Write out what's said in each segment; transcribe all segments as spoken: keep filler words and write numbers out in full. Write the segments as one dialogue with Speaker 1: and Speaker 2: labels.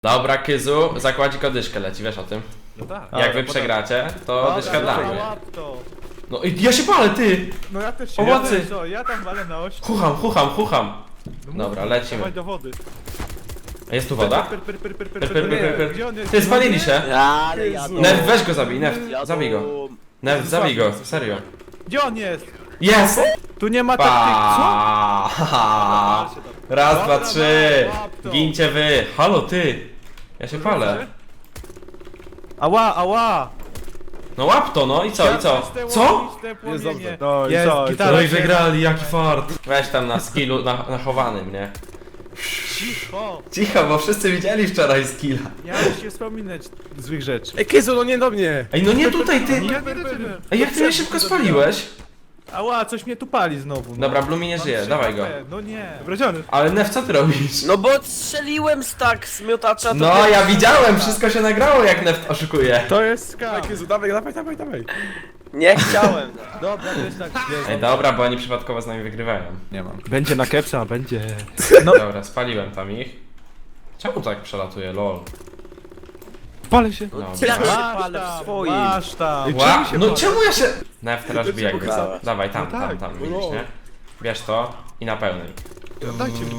Speaker 1: Dobra, Kyzu, zakładzik o dyszkę leci, wiesz o tym?
Speaker 2: No tak.
Speaker 1: Jak wy przegracie, to dyszka damy.
Speaker 2: to.
Speaker 1: No i ja się palę, ty!
Speaker 2: No ja też się
Speaker 1: Pomocy!
Speaker 2: Ja, co, ja tam walę na oś.
Speaker 1: Chucham, chucham, chucham.
Speaker 2: No
Speaker 1: Dobra,
Speaker 2: mów,
Speaker 1: lecimy.
Speaker 2: dawaj do wody.
Speaker 1: A jest tu woda?
Speaker 2: Per, per, per, per, per,
Speaker 1: Per,
Speaker 2: per,
Speaker 1: per, per, per,
Speaker 2: Gdzie on
Speaker 1: per.
Speaker 2: jest?
Speaker 1: Ty, spalili się!
Speaker 3: Ale jadą.
Speaker 1: Neft, weź go zabij, Neft,
Speaker 3: Jadą.
Speaker 1: zabij go. Neft, zabij go, serio.
Speaker 2: Gdzie on jest?
Speaker 1: Jest!
Speaker 2: Tu nie ma taktyk, co?
Speaker 1: Pa! Raz, dwa,
Speaker 2: Dobra,
Speaker 1: trzy!
Speaker 2: łap to.
Speaker 1: Gincie wy! Halo, ty! Ja się palę.
Speaker 2: Ała, ała!
Speaker 1: No łap to, no i co, i co? Co?
Speaker 2: Jest dobrze.
Speaker 4: No i
Speaker 2: Jest,
Speaker 4: co, i
Speaker 2: gitara
Speaker 1: No i
Speaker 2: się-
Speaker 1: wygrali, jaki fart. Weź tam na skillu na, nachowanym, nie?
Speaker 2: Cicho!
Speaker 1: Cicho, bo wszyscy widzieli wczoraj skilla.
Speaker 2: Miałeś się wspominać złych rzeczy.
Speaker 4: Ej, Kyzu, no nie do mnie!
Speaker 1: Ej, no nie tutaj, ty!
Speaker 2: Nie, nie, nie, nie.
Speaker 1: Ej, jak ty mnie szybko spaliłeś?
Speaker 2: Ała, coś mnie tu pali znowu. No.
Speaker 1: Dobra, Blumi nie żyje,
Speaker 2: Mam
Speaker 1: dawaj
Speaker 2: trzy
Speaker 1: go.
Speaker 2: H P, No nie.
Speaker 4: Wraziony.
Speaker 1: Ale Nef, co ty robisz?
Speaker 3: No bo strzeliłem z tak z miotacza to
Speaker 1: No, ja widziałem, wszystko się nagrało, jak Nef oszukuje.
Speaker 2: To jest skam.
Speaker 4: Dawaj, Kyzu, dawaj, dawaj, dawaj, dawaj.
Speaker 3: Nie chciałem.
Speaker 2: Dobra, to jest tak.
Speaker 1: Ej, dobra, bo oni przypadkowo z nami wygrywają.
Speaker 2: Nie mam.
Speaker 4: Będzie na kepsa, będzie.
Speaker 2: No.
Speaker 1: Dobra, spaliłem tam ich. Czemu tak przelatuje, lol?
Speaker 4: Palę się.
Speaker 1: Dobra.
Speaker 3: Ja się
Speaker 2: Masz
Speaker 3: palę w
Speaker 2: tam,
Speaker 3: swoim.
Speaker 2: masz tam.
Speaker 1: Ła,
Speaker 4: się
Speaker 1: no
Speaker 4: palę?
Speaker 1: czemu ja się... Nef, teraz
Speaker 4: Ty
Speaker 1: bij jakby co.
Speaker 3: pokazałeś.
Speaker 1: Dawaj, tam,
Speaker 4: No
Speaker 1: tam,
Speaker 4: tak,
Speaker 1: tam,
Speaker 4: no.
Speaker 1: widzisz, nie? Bierz to i na pełnej.
Speaker 4: Dajcie mi.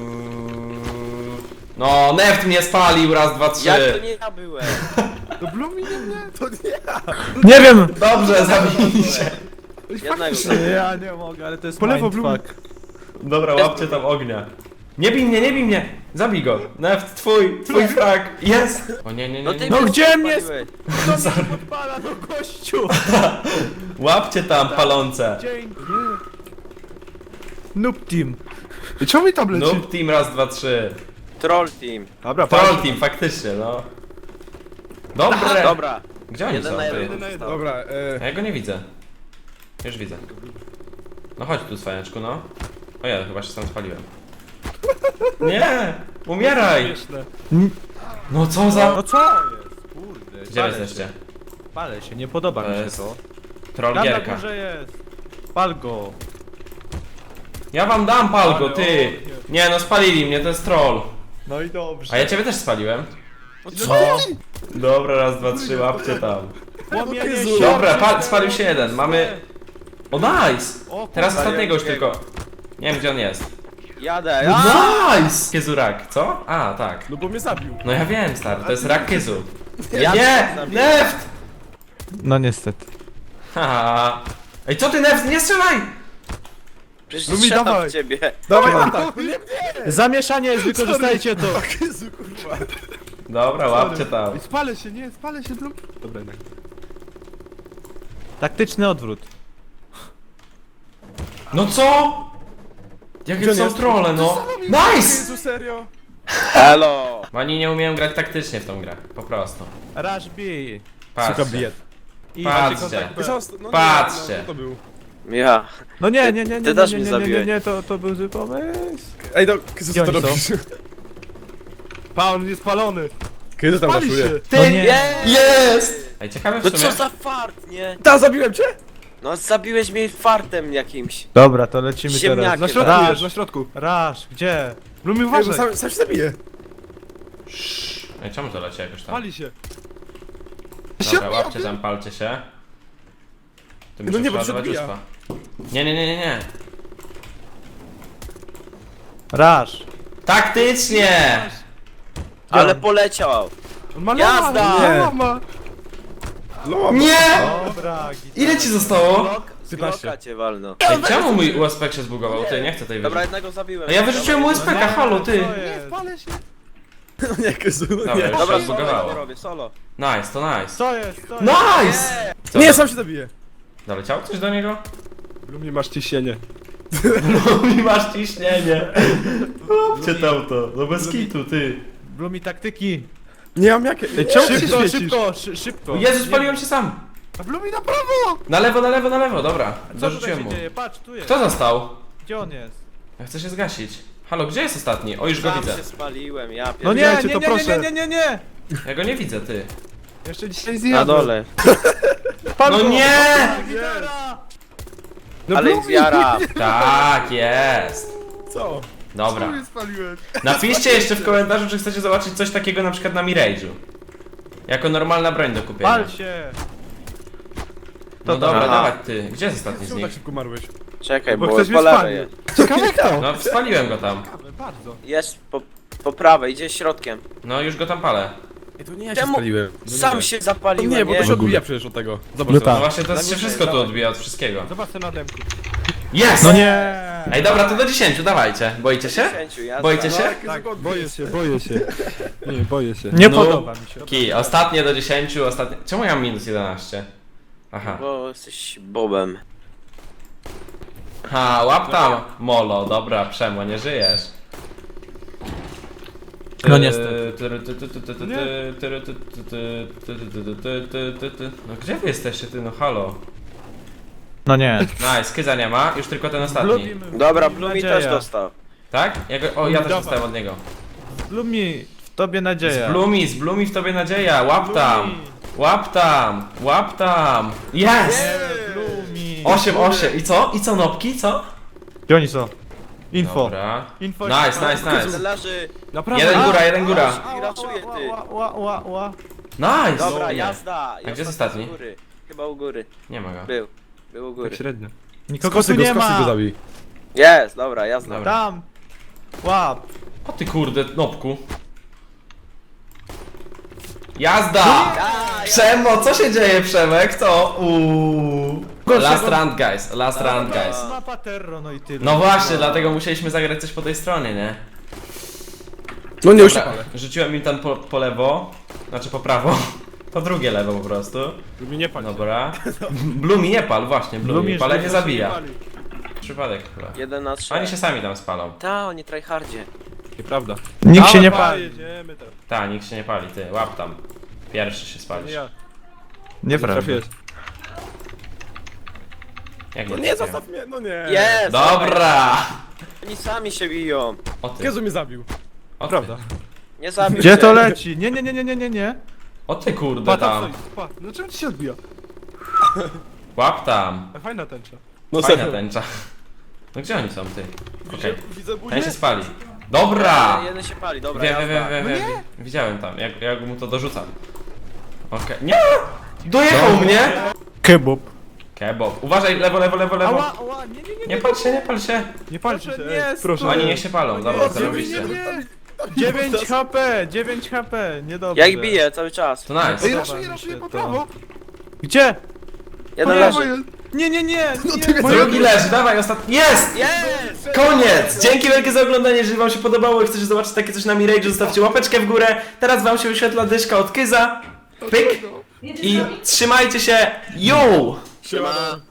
Speaker 1: No, Neft mnie spalił, raz, dwa, trzy.
Speaker 3: Jak to nie ja byłem?
Speaker 4: To Blumi nie mnie, to nie ja.
Speaker 2: Nie wiem!
Speaker 1: Dobrze, zabili się.
Speaker 3: Jednego.
Speaker 2: Ja nie mogę, ale to jest
Speaker 4: Po lewo,
Speaker 2: mindfuck.
Speaker 1: Dobra, łapcie tam ognia. Nie bij mnie, nie bij mnie! Zabij go! Neft, twój, twój frag! Jest! O nie, nie,
Speaker 3: No
Speaker 1: nie,
Speaker 3: ty
Speaker 1: nie.
Speaker 2: No
Speaker 3: mnie
Speaker 2: gdzie mnie
Speaker 3: spaliłeś.
Speaker 2: To mnie podpala do gościu!
Speaker 1: Łapcie tam palące!
Speaker 2: Dzięki! Noob team.
Speaker 4: I czemu mi tam leci?
Speaker 1: Noob team, raz, dwa, trzy.
Speaker 3: Troll team.
Speaker 4: Dobra,
Speaker 1: Troll team, faktycznie, no. Dobre!
Speaker 3: Dobra.
Speaker 1: Gdzie oni
Speaker 3: Jeden
Speaker 1: są,
Speaker 3: na
Speaker 1: ty?
Speaker 3: jeden został.
Speaker 4: Dobra, e...
Speaker 1: Ja go nie widzę. Już widzę. No chodź tu, cwaniaczku, no. O ja, chyba się sam spaliłem. Nie! Umieraj!
Speaker 2: Śmieszne.
Speaker 1: No co za...
Speaker 2: No co jest? Kurde.
Speaker 1: Gdzie
Speaker 2: palę
Speaker 1: jesteście?
Speaker 2: się. Palę się, nie podoba
Speaker 1: To
Speaker 2: mi się
Speaker 1: jest
Speaker 2: to.
Speaker 1: troll
Speaker 2: Tam na
Speaker 1: gierka.
Speaker 2: górze jest. Pal go.
Speaker 1: Ja wam dam palgo,
Speaker 2: Ale
Speaker 1: ty!
Speaker 2: ognie.
Speaker 1: Nie no, spalili mnie, to jest troll.
Speaker 2: No i dobrze.
Speaker 1: A ja ciebie też spaliłem.
Speaker 2: Co?
Speaker 1: Dobra, raz, dwa, trzy, łapcie tam.
Speaker 2: Płomienie
Speaker 4: Jezu.
Speaker 2: się
Speaker 1: Dobra,
Speaker 2: oczy,
Speaker 1: pal, spalił się jeden, mamy... O, nice!
Speaker 2: O,
Speaker 1: Teraz
Speaker 2: kurwa,
Speaker 1: ostatniego już
Speaker 3: jakiego?
Speaker 1: tylko. Nie wiem, gdzie on jest.
Speaker 3: Jadę. A!
Speaker 1: Nice! Kiezurak, co? A, tak.
Speaker 4: No bo mnie zabił.
Speaker 1: No ja wiem, stary, to jest rak Kiezu.
Speaker 3: Ja
Speaker 1: Nie!
Speaker 3: zabiłem.
Speaker 1: Neft!
Speaker 2: No niestety.
Speaker 1: Haha. Ej, co ty, Neft, nie strzelaj!
Speaker 3: Przecież
Speaker 4: No mi
Speaker 3: strzelam
Speaker 4: dawaj.
Speaker 3: w ciebie.
Speaker 4: Dawaj, atak. Nie, nie.
Speaker 2: Zamieszanie jest, wykorzystajcie to.
Speaker 4: Kyzu, kurwa.
Speaker 1: Dobra, łapcie tam.
Speaker 4: Ej, spalę się, nie, spalę się, Blum. Dobra, nie.
Speaker 2: Taktyczny odwrót.
Speaker 1: No co?
Speaker 4: Gdzie
Speaker 1: Jakie
Speaker 4: on
Speaker 1: są
Speaker 4: jest?
Speaker 1: trolle, no. Nice!
Speaker 4: Jezu, serio?
Speaker 3: Hello.
Speaker 1: Oni nie umieją grać taktycznie w tą grę, po prostu.
Speaker 2: Rush B.
Speaker 1: Patrzcie.
Speaker 4: bied.
Speaker 2: I
Speaker 1: Patrzcie.
Speaker 2: kontakt B.
Speaker 4: Został- no nie,
Speaker 1: Patrzcie.
Speaker 4: No, co to był?
Speaker 3: Ja.
Speaker 2: No nie,
Speaker 3: Ty-
Speaker 2: nie, nie, nie,
Speaker 3: ty
Speaker 2: nie,
Speaker 3: też
Speaker 2: nie,
Speaker 3: mnie
Speaker 2: nie, nie, nie,
Speaker 3: zabiłeś.
Speaker 2: nie, to, to był zły pomysł.
Speaker 4: Ej, no, Kyzu,
Speaker 2: Gdzie
Speaker 4: co to
Speaker 2: oni są?
Speaker 4: robisz?
Speaker 2: Paul jest spalony.
Speaker 4: Kyzu tam
Speaker 2: Pali
Speaker 4: raszuje.
Speaker 2: się.
Speaker 1: Ty,
Speaker 2: No nie.
Speaker 1: jest! Ej, ciekawe
Speaker 3: No
Speaker 1: w sumie.
Speaker 3: co za fart, nie?
Speaker 4: Ta, zabiłem cię?
Speaker 3: No zabiłeś mnie fartem jakimś.
Speaker 2: Dobra, to lecimy
Speaker 3: Ziemniakiem.
Speaker 4: Na
Speaker 2: teraz.
Speaker 4: środku
Speaker 2: Raz.
Speaker 4: jest, na środku.
Speaker 2: Rush, gdzie?
Speaker 4: Blumi,
Speaker 2: uważaj.
Speaker 4: uważaj. Sam, sam się zabije.
Speaker 1: Ej, czemu to leci jakoś tam?
Speaker 4: Pali się.
Speaker 1: Dobra, łapcie tam, palcie się. Tu
Speaker 4: No
Speaker 1: muszę
Speaker 4: nie, bo
Speaker 1: przeładować
Speaker 4: przebija.
Speaker 1: uspa. Nie, nie, nie, nie, nie.
Speaker 2: Rush.
Speaker 1: Taktycznie!
Speaker 3: Ale poleciał.
Speaker 4: On ma
Speaker 3: Jazda!
Speaker 4: lama,
Speaker 2: Nie.
Speaker 4: lama. Lama.
Speaker 1: Nie!
Speaker 2: Dobra, git.
Speaker 1: Ile ci zostało?
Speaker 3: Blok, z
Speaker 4: piętnaście.
Speaker 3: bloka cię walno.
Speaker 1: Ej, czemu mój U S P się zbugował? Ty, nie chcę tej
Speaker 3: Dobra,
Speaker 1: wyrzucić.
Speaker 3: jednego zabiłem.
Speaker 1: A ja wyrzuciłem U S P K, halo, ty!
Speaker 2: Co jest?
Speaker 4: Palę się. No nie, Kyzu, no
Speaker 1: Dobra,
Speaker 4: nie.
Speaker 1: już
Speaker 3: Dobra,
Speaker 1: się
Speaker 3: solo
Speaker 1: zbugowało.
Speaker 3: to robię, solo.
Speaker 1: Nice, to nice.
Speaker 2: Co jest? Co jest?
Speaker 1: Nice! Co?
Speaker 4: Nie, sam się zabije.
Speaker 1: Doleciało coś do niego?
Speaker 4: Blumi, masz ciśnienie.
Speaker 1: Mi masz ciśnienie. Łapcie tam to, no bez kitu, ty.
Speaker 2: Blumi taktyki.
Speaker 4: Nie mam jakie. Ej, czemu ty się
Speaker 2: Szybko,
Speaker 4: świecisz?
Speaker 2: szybko, szy- szybko.
Speaker 1: Jezu, spaliłem się sam.
Speaker 4: A Blumi na prawo!
Speaker 1: Na lewo, na lewo, na lewo, dobra.
Speaker 2: Co tutaj
Speaker 1: Dorzuciłem
Speaker 2: się
Speaker 1: mu.
Speaker 2: dzieje? Patrz, tu jest.
Speaker 1: Kto został?
Speaker 2: Gdzie on jest?
Speaker 1: Ja chcę się zgasić. Halo, gdzie jest ostatni? O, już go
Speaker 3: Sam
Speaker 1: widzę.
Speaker 3: się spaliłem, ja
Speaker 2: No
Speaker 3: pierdolę.
Speaker 2: nie,
Speaker 4: Widziałem
Speaker 2: nie,
Speaker 4: cię, to
Speaker 2: nie, nie,
Speaker 4: proszę.
Speaker 2: nie, nie, nie, nie.
Speaker 1: Ja go nie widzę, ty.
Speaker 2: Jeszcze dzisiaj
Speaker 3: Na dole.
Speaker 2: Pal
Speaker 1: No
Speaker 2: go.
Speaker 1: nie!
Speaker 2: Gitara!
Speaker 4: No
Speaker 3: Ale
Speaker 4: Blumi!
Speaker 3: ich zjara.
Speaker 1: Tak, jest.
Speaker 4: Co?
Speaker 1: Dobra.
Speaker 4: mnie spaliłeś?
Speaker 1: Napiszcie jeszcze w komentarzu, czy chcecie zobaczyć coś takiego na przykład na Mirage'u. Jako normalna broń do kupienia.
Speaker 2: Pal się!
Speaker 1: No
Speaker 2: To
Speaker 1: dobra,
Speaker 3: dobra.
Speaker 1: dawaj ty. Gdzie jest ostatni z
Speaker 4: Czemu tak
Speaker 1: nich?
Speaker 4: szybko marłeś?
Speaker 3: Czekaj,
Speaker 2: Bo
Speaker 3: bo
Speaker 2: ktoś
Speaker 3: po
Speaker 2: mnie
Speaker 3: lewej
Speaker 2: spalił.
Speaker 3: jest.
Speaker 2: Ciekawe kto?
Speaker 1: No spaliłem go tam.
Speaker 2: Ciekawe, bardzo.
Speaker 3: Jest po, po prawej, idzie środkiem.
Speaker 1: No już go tam palę.
Speaker 4: Ej, to nie ja się
Speaker 3: Czemu?
Speaker 4: spaliłem. No nie
Speaker 3: Sam
Speaker 4: wiem.
Speaker 3: się
Speaker 4: No
Speaker 3: zapaliłem,
Speaker 4: nie, bo to się
Speaker 3: nie?
Speaker 4: odbija przecież od tego. Zobacz
Speaker 2: No
Speaker 4: sobie.
Speaker 1: No właśnie to
Speaker 3: Na
Speaker 1: się
Speaker 3: górze,
Speaker 1: wszystko tu
Speaker 3: dawaj.
Speaker 1: odbija od wszystkiego.
Speaker 2: Zobacz ten na demku.
Speaker 1: Jest!
Speaker 2: No nie!
Speaker 1: Ej dobra, to do dziesięciu, dawajcie. Boicie się?
Speaker 3: dziesięciu, jazda.
Speaker 1: Boicie się?
Speaker 2: Tak,
Speaker 4: Boję się, boję się. Nie, boję się.
Speaker 2: nie
Speaker 1: No.
Speaker 2: podoba mi się.
Speaker 1: Ki, ostatnie do dziesięciu, ostatnie... Czemu ja mam minus jedenaście? Aha.
Speaker 3: Bo jesteś Bobem.
Speaker 1: Ha, łap tam, Molo, dobra, Przemo, nie żyjesz.
Speaker 2: No niestety.
Speaker 1: No gdzie wy jesteście, ty, no halo.
Speaker 2: No nie.
Speaker 1: Nice, Kyza nie ma, już tylko ten ostatni.
Speaker 2: Lubimy.
Speaker 3: Dobra, Blumi
Speaker 2: Nadzieja.
Speaker 3: też dostał.
Speaker 1: Tak? Ja go, o, ja też
Speaker 2: Dawaj.
Speaker 1: dostałem od niego.
Speaker 2: Blumi, w tobie nadzieja.
Speaker 1: Z Blumi, z Blumi w tobie nadzieja, łap tam!
Speaker 2: Blumi.
Speaker 1: Łap tam! Łap tam! Jest!
Speaker 2: Nie, Blumi.
Speaker 1: osiem osiem i co? I co, nopki, co?
Speaker 2: Gdzie oni są? Info.
Speaker 1: Dobra.
Speaker 2: Info.
Speaker 1: Nice, nice, nice.
Speaker 3: Leży.
Speaker 4: Naprawdę?
Speaker 1: Jeden góra, jeden góra.
Speaker 3: I raczuje ty.
Speaker 2: Ła, ła, ła, ła.
Speaker 1: Nice!
Speaker 3: Dobra,
Speaker 1: Nie.
Speaker 3: jazda.
Speaker 1: A gdzie jest ostatni?
Speaker 3: U góry. Chyba u góry.
Speaker 1: Nie ma go.
Speaker 3: Był. Był u góry.
Speaker 4: Tak średnio.
Speaker 2: Nikogo
Speaker 4: Skosy
Speaker 2: tu
Speaker 4: go,
Speaker 2: nie
Speaker 4: skosy go
Speaker 2: ma.
Speaker 4: zabij.
Speaker 3: Jest, dobra, jazda.
Speaker 1: Dobra.
Speaker 2: Tam. Łap.
Speaker 1: O ty kurde, nopku. Jazda!
Speaker 3: A,
Speaker 1: Przemo, co się dzieje, Przemek? Co? Uuu.
Speaker 2: Gorszego-
Speaker 1: Last round, guys. Last round, guys.
Speaker 2: Mapa Terro, no i tyle.
Speaker 1: No właśnie, dlatego musieliśmy zagrać coś po tej stronie, nie?
Speaker 4: No nie, już się
Speaker 1: Dobra,
Speaker 4: palę.
Speaker 1: rzuciłem im tam po, po lewo, znaczy po prawo, po drugie lewo po prostu.
Speaker 4: Lubi nie palić.
Speaker 1: Dobra. Blumi nie pal, właśnie, Blumi.
Speaker 2: Blumi,
Speaker 1: Palenie
Speaker 2: żeby się
Speaker 1: zabija.
Speaker 2: nie pali.
Speaker 1: Przypadek chyba.
Speaker 3: jeden na trzy.
Speaker 1: Oni się sami tam spalą.
Speaker 3: Ta, oni tryhardzie.
Speaker 4: Nieprawda.
Speaker 2: Nikt się nie
Speaker 4: Dawaj,
Speaker 2: pali.
Speaker 4: jedziemy teraz.
Speaker 1: Ta, nikt się nie pali, ty, łap tam. Pierwszy się
Speaker 4: Nie
Speaker 1: spalisz.
Speaker 4: ja.
Speaker 2: Nieprawda.
Speaker 4: Trafiłeś.
Speaker 1: Jak
Speaker 4: No
Speaker 1: nie
Speaker 4: nie,
Speaker 1: trafiłem?
Speaker 4: zostaw mnie, no nie.
Speaker 3: Jest!
Speaker 1: Dobra!
Speaker 3: Oni sami się biją.
Speaker 1: O ty,
Speaker 4: Jezu mnie zabił.
Speaker 1: o ty,
Speaker 4: Prawda.
Speaker 3: Nie zabił
Speaker 2: Gdzie
Speaker 3: się.
Speaker 2: to leci? Nie, nie, nie, nie, nie, nie, nie.
Speaker 1: o ty kurde
Speaker 4: Pa, tam
Speaker 1: tam.
Speaker 4: stoi. Pa, no czemu ci się odbija?
Speaker 1: Łap tam.
Speaker 4: A fajna tęcza. No
Speaker 1: Fajna tęcza. No gdzie oni są, ty? Okej,
Speaker 4: Widzę buzię.
Speaker 1: ten się spali. Dobra!
Speaker 3: Jeden się pali, dobra,
Speaker 1: Wiem, wiem,
Speaker 3: jazda.
Speaker 1: wiem, wiem, wiem. Widziałem tam, jak, jak mu to dorzucam. Okej, nie! Dojechał mnie!
Speaker 2: Kebab.
Speaker 1: Kebab. Uważaj, lewo, lewo, lewo, lewo.
Speaker 2: Ała, ała, nie, nie, nie.
Speaker 1: Nie pal się, nie pal się.
Speaker 2: Nie palcie się,
Speaker 4: nie,
Speaker 2: ej, proszę.
Speaker 1: Oni niech się palą, dobra,
Speaker 2: nie,
Speaker 1: zarobiście.
Speaker 2: nie, nie. dziewięć H P, dziewięć H P, niedobrze.
Speaker 3: Ja ich biję cały czas.
Speaker 1: To nice.
Speaker 4: Ej,
Speaker 2: Podoba
Speaker 4: raszuję,
Speaker 2: mi
Speaker 4: raszuję
Speaker 2: się
Speaker 4: po
Speaker 2: to.
Speaker 4: prawo.
Speaker 2: Gdzie?
Speaker 3: Jeden
Speaker 2: Moja-
Speaker 3: leży.
Speaker 2: Nie, nie, nie,
Speaker 4: No
Speaker 2: nie.
Speaker 4: ty mnie
Speaker 1: Drugi leży, dawaj, ostatni. Jest!
Speaker 3: Jest!
Speaker 1: Koniec! Dzięki wielkie za oglądanie, jeżeli wam się podobało i chcecie zobaczyć takie coś na Mirage'u, zostawcie łapeczkę w górę. Teraz wam się wyświetla dyszka od Kyza. Pyk! I trzymajcie się! Yo!
Speaker 3: Siema.